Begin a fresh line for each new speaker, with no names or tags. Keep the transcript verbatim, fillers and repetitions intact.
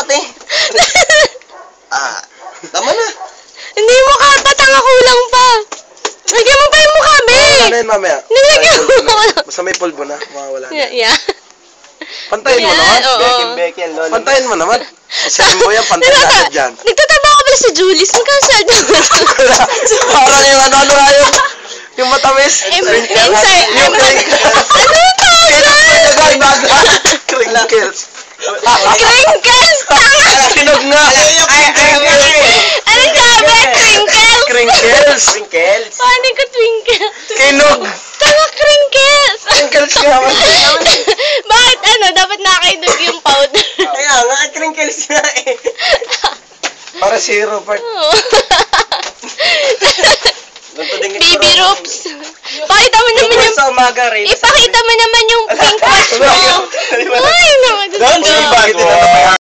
ate. Ah, tama na.
Hindi mo ka, patanga kulang pa. Lagyan mo pa yung mukha, be.
Ano yun mamaya?
Nilagyan mo.
Basta may pulbo na, mawawala na.
Yeah, yeah.
Pantayin mo naman.
Oo.
Bekin, lolo.
Pantayin mo naman. Kasi mo yan, pantayin natin dyan.
Nagtatrabaho ka pala si Julie. Saan ka sa
Parang yung ano, ano nga yung, yung matamis.
Inside.
Yung crinkles.
Ano yung tawag doon?
Crinkles.
Crinkles! Tanga!
Sinog nga.
Ay, ay, ay.
Anong sabi? Crinkles?
Crinkles.
Crinkles.
Paano ko twinkle?
Kinog.
Tanga, crinkles!
Crinkles nga.
Bakit ano? Dapat nakainog yung powder.
Kaya nga, crinkles nga eh.
Para zero part.
Baby ropes. Pakita mo naman yung...
Sa umaga rin.
Ipakita mo naman yung pink watch mo. Ay, naman.
Don't say bad
Bakit